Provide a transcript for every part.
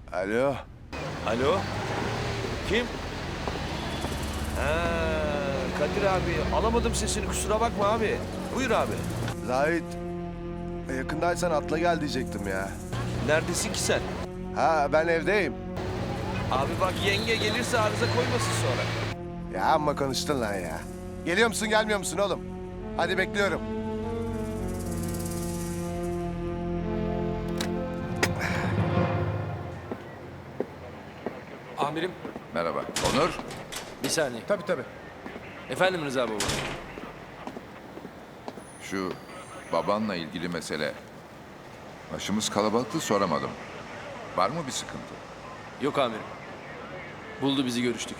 Alo. Alo? Kim? Kadir abi. Alamadım sesini, kusura bakma abi. Buyur abi. Zahit. Yakındaysan atla gel diyecektim ya. Neredesin ki sen? Ha ben evdeyim. Abi bak yenge gelirse arıza koymasın sonra. Ya amma konuştun lan ya. Geliyor musun gelmiyor musun oğlum? Hadi bekliyorum. Amirim. Merhaba. Onur. Bir saniye. Tabii. Efendim Rıza baba. Şu babanla ilgili mesele. Başımız kalabalıktı, soramadım. Var mı bir sıkıntı? Yok amirim. Buldu bizi, görüştük.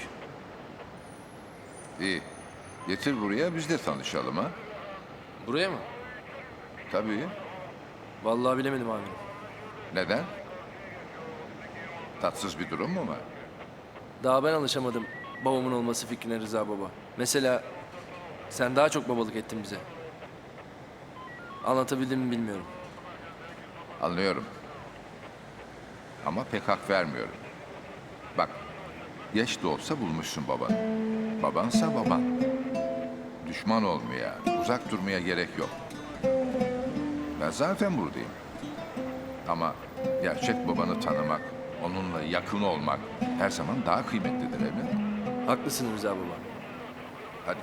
İyi. Getir buraya, biz de tanışalım ha. Buraya mı? Tabii. Vallahi bilemedim amirim. Neden? Tatsız bir durum mu var? Daha ben alışamadım babamın olması fikrine Rıza baba. Mesela sen daha çok babalık ettin bize. Anlatabildim mi bilmiyorum. Anlıyorum. Ama pek hak vermiyorum. Bak, geç de olsa bulmuşsun babanı. Babansa baban. Düşman olmaya, uzak durmaya gerek yok. Ben zaten buradayım. Ama gerçek babanı tanımak, onunla yakın olmak her zaman daha kıymetlidir evladım. Haklısın Rıza baba. Hadi.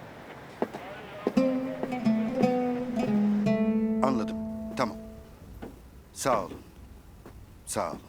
Anladım. Tamam. Sağ olun. Sağ olun.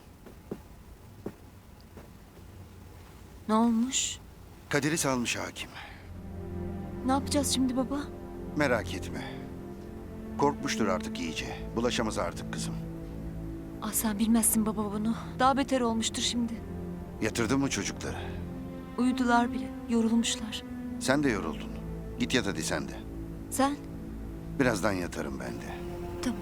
Ne olmuş? Kadir'i salmış hakim. Ne yapacağız şimdi baba? Merak etme. Korkmuştur artık iyice. Bulaşamaz artık kızım. Ah sen bilmezsin baba bunu. Daha beter olmuştur şimdi. Yatırdın mı çocukları? Uyudular bile. Yorulmuşlar. Sen de yoruldun. Git yat hadi sen de. Sen? Birazdan yatarım ben de. Tamam.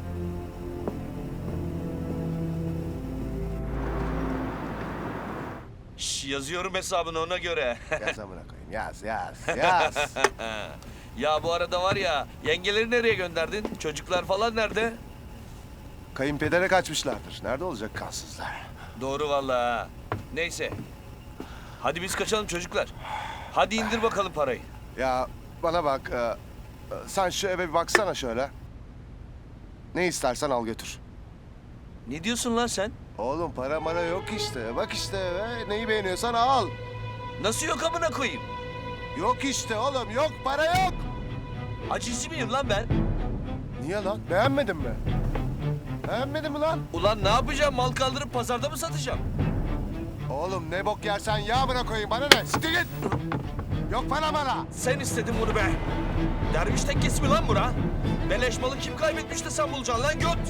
Şş, yazıyorum hesabını ona göre. Yaz amına koyayım. Yaz. Ya bu arada var ya, yengeleri nereye gönderdin? Çocuklar falan nerede? Kayınpedere kaçmışlardır. Nerede olacak kansızlar? Doğru vallahi ha. Neyse. Hadi biz kaçalım çocuklar. Hadi indir bakalım parayı. Ya bana bak. Sen şu eve bir baksana şöyle. Ne istersen al götür. Ne diyorsun lan sen? Oğlum para mara yok işte. Bak işte eve. Neyi beğeniyorsan al. Nasıl yok amına koyayım? Yok işte oğlum yok para yok. Acizi miyim lan ben? Niye lan? Beğenmedin mi? Beğenmedin mi lan? Ulan ne yapacağım? Mal kaldırıp pazarda mı satacağım? Oğlum ne bok yersen yağmına koyayım bana ne? Siktir git. Yok para mara. Sen istedin bunu be. Derviş tekkesi mi lan bura? Beleş malı kim kaybetmiş de sen bulacaksın lan göt.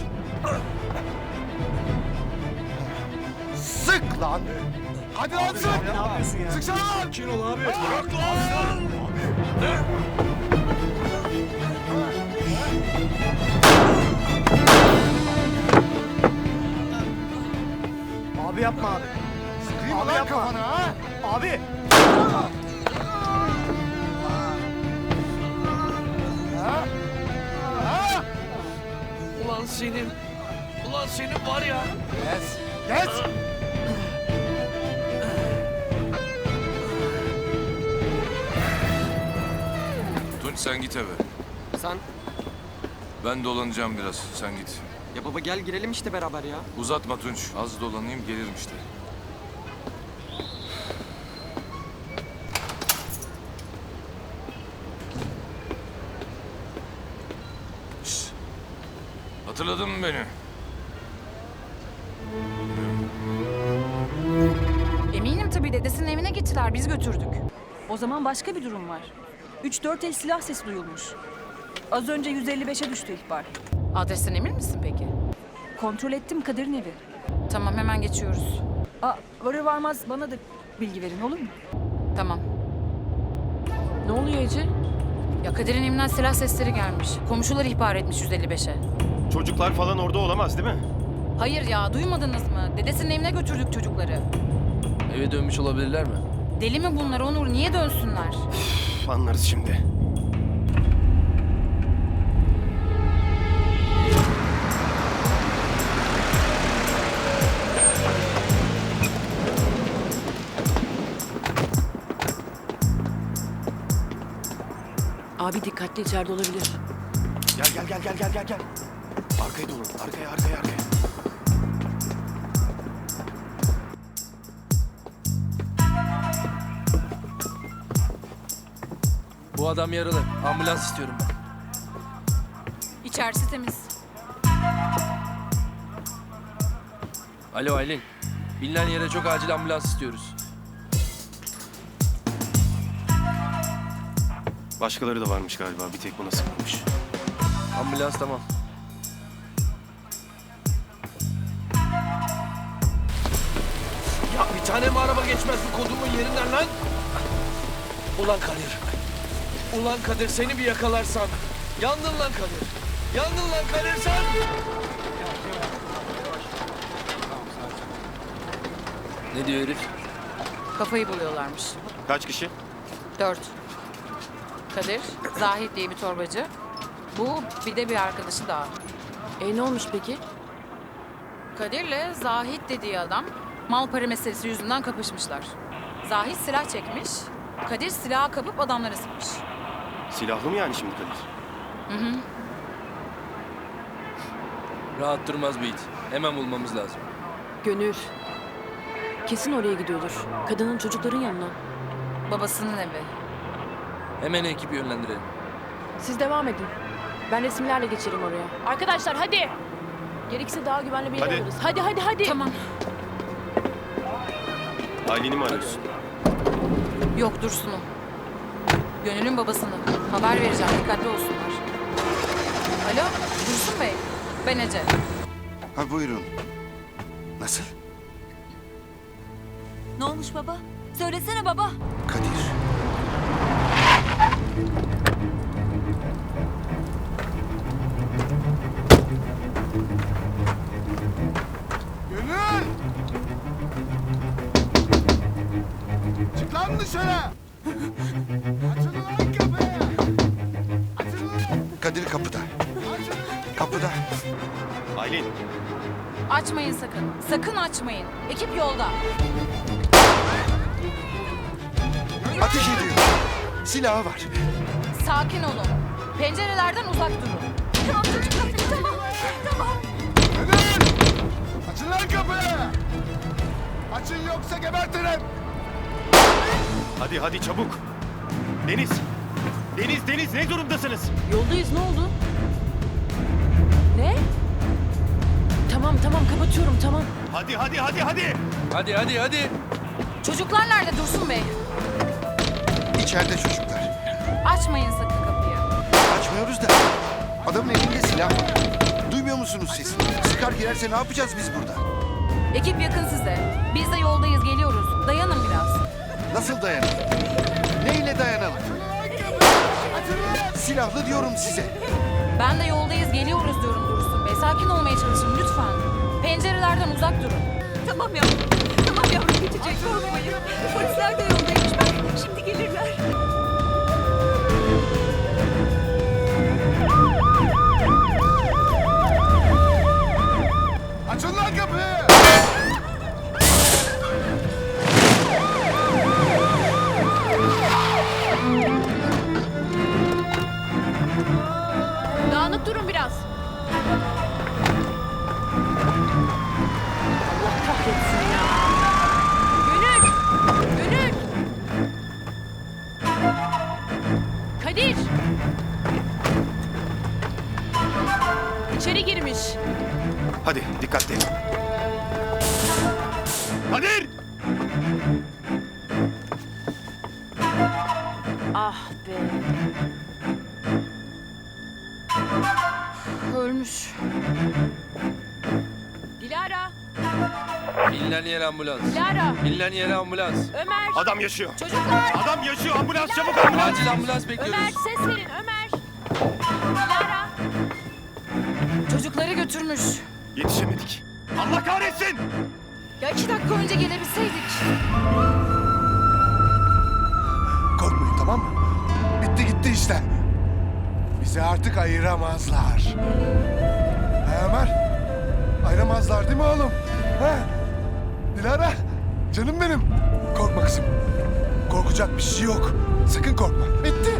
Sık lan. Hadi lan sık. Ne yapıyorsun ya? Sıksana lan. Sakin ol abi. Bırak lan. Abi yapma abi. Sıkayım Abi lan yapma. kafana ha. Abi. Ha? Ha? Ulan senin. Ulan senin var ya. Geç. Geç. Tunç sen git eve. Sen... Ben dolanacağım biraz. Sen git. Ya baba gel girelim işte beraber ya. Uzatma Tunç. Az dolanayım gelirim işte. Şşt. Hatırladın mı beni? Eminim tabii dedesinin evine gittiler, biz götürdük. O zaman başka bir durum var. 3-4 el silah sesi duyulmuş. Az önce 155'e düştü ihbar. Adresten emin misin peki? Kontrol ettim Kadir'in evi. Tamam, hemen geçiyoruz. Varır varmaz bana da bilgi verin olur mu? Tamam. Ne oluyor Ece? Ya Kadir'in evinden silah sesleri gelmiş. Komşular ihbar etmiş 155'e. Çocuklar falan orada olamaz değil mi? Hayır ya, duymadınız mı? Dedesinin evine götürdük çocukları. Eve dönmüş olabilirler mi? Deli mi bunlar Onur? Niye dönsünler? Anlarız şimdi. Abi dikkatli, içeride olabilir. Gel. Arkaya dolun. Arkaya. Bu adam yaralı. Ambulans istiyorum ben. İçerisi temiz. Alo Aylin. Bilinen yere çok acil ambulans istiyoruz. Başkaları da varmış galiba. Bir tek buna sıkılmış. Ambulans tamam. Ya bir tane mi araba geçmez bu kodumun yerinden lan? Ulan Kadir. Ulan Kadir seni bir yakalarsam. Yandın lan Kadir. Yandın lan Kadir sen. Ne diyor herif? Kafayı buluyorlarmış. Kaç kişi? 4. Kadir, Zahit diye bir torbacı. Bu bir de bir arkadaşı daha. Ne olmuş peki? Kadir'le Zahit dediği adam mal para meselesi yüzünden kapışmışlar. Zahit silah çekmiş. Kadir silahı kapıp adamlara sıkmış. Silahlı mı yani şimdi Kadir? Rahat durmaz bu it. Hemen bulmamız lazım. Gönül. Kesin oraya gidiyordur. Kadının çocukların yanına. Babasının evi. Hemen ekip yönlendirelim. Siz devam edin. Ben resimlerle geçerim oraya. Arkadaşlar hadi. Gerekirse daha güvenli bir yer Hadi. alırız. Hadi. Tamam. Aylin'i mi arıyorsun? Yok Dursun'u. Gönül'ün babasını. Haber vereceğim. Dikkatli olsunlar. Alo Dursun Bey. Ben Ece. Ha buyurun. Nasıl? Ne olmuş baba? Söylesene baba. Kadir. Gönül! Çık lan dışarı! Açın lan kapıyı! Açın lan! Kadir kapıda. Kapıda. Aylin. Açmayın sakın. Sakın açmayın. Ekip yolda. Ateş ediyor. Silahı var. Sakin olun. Pencerelerden uzak durun. Tamam çocuklar, tamam. Gönül! Açın lan kapıyı! Açın yoksa gebertirim! Hadi çabuk. Deniz ne durumdasınız? Yoldayız, ne oldu? Ne? Tamam kapatıyorum tamam. Hadi. Hadi. Çocuklar nerede Dursun Bey? İçeride çocuklar. Açmayın sakın kapıyı. Açmıyoruz da. Adamın elinde silah var. Duymuyor musunuz sesini? Sıkar girerse ne yapacağız biz burada? Ekip yakın size. Biz de yoldayız, geliyoruz. Dayanın biraz. Nasıl dayanalım? Neyle dayanalım? Silahlı diyorum size. Ben de yoldayız, geliyoruz diyorum Dursun Bey. Sakin olmaya çalışın lütfen. Pencerelerden uzak durun. Tamam yavrum. Tamam yavrum, geçecek, korkmayın. Polisler de yoldaymış bak. Şimdi gelirler. Açın lan kapıyı! Dağınık durun biraz. Allah kahretsin ya. Gönül! Kadir! İçeri girmiş. Hadi dikkatli. Kadir! Ah be. Ölmüş. Dilara! Bilinen yere ambulans. Dilara! Bilinen yere ambulans. Ömer! Adam yaşıyor. Çocuklar! Adam yaşıyor. Ambulans çabuk ambulans. Acil ambulans bekliyoruz. Ömer ses verin Ömer! Dilara! Çocukları götürmüş. Yetişemedik. Allah kahretsin. Ya 2 dakika önce gelebilseydik. Korkmayın, tamam mı? Bitti gitti işte. Bizi artık ayıramazlar. He Ömer? Ayıramazlar değil mi oğlum? He? Dilara, canım benim. Korkma kızım. Korkacak bir şey yok. Sakın korkma. Bitti.